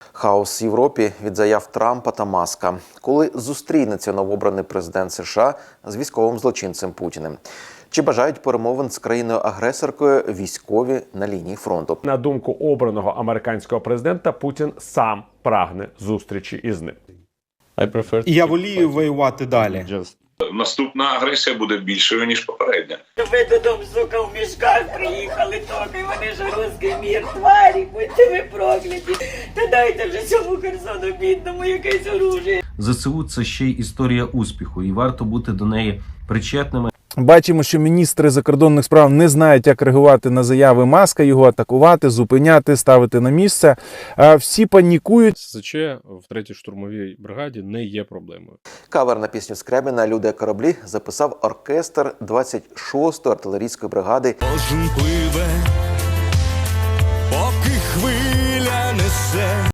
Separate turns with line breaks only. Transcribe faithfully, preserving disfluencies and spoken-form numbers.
Хаос в Європі від заяв Трампа та Маска. Коли зустрінеться новообраний президент США з військовим злочинцем Путіним? Чи бажають перемовин з країною-агресоркою військові на лінії фронту?
На думку обраного американського президента, Путін сам прагне зустрічі із ним.
І я волію воювати далі.
Наступна агресія буде більшою, ніж попередня.
Ви додому, сука, в мішках приїхали, токи, вони ж русський мір, тварі, будьте ви прокляті. Та дайте вже цьому Херсону бідному якесь оружие.
ЗСУ – це ще й історія успіху, і варто бути до неї причетними.
Бачимо, що міністри закордонних справ не знають, як реагувати на заяви Маска, його атакувати, зупиняти, ставити на місце. Всі панікують.
СЗЧ в третій штурмовій бригаді не є проблемою.
Кавер на пісню Скрябіна «Люди кораблі» записав оркестр двадцять шостої артилерійської бригади.
Кожен пливе, поки хвиля несе.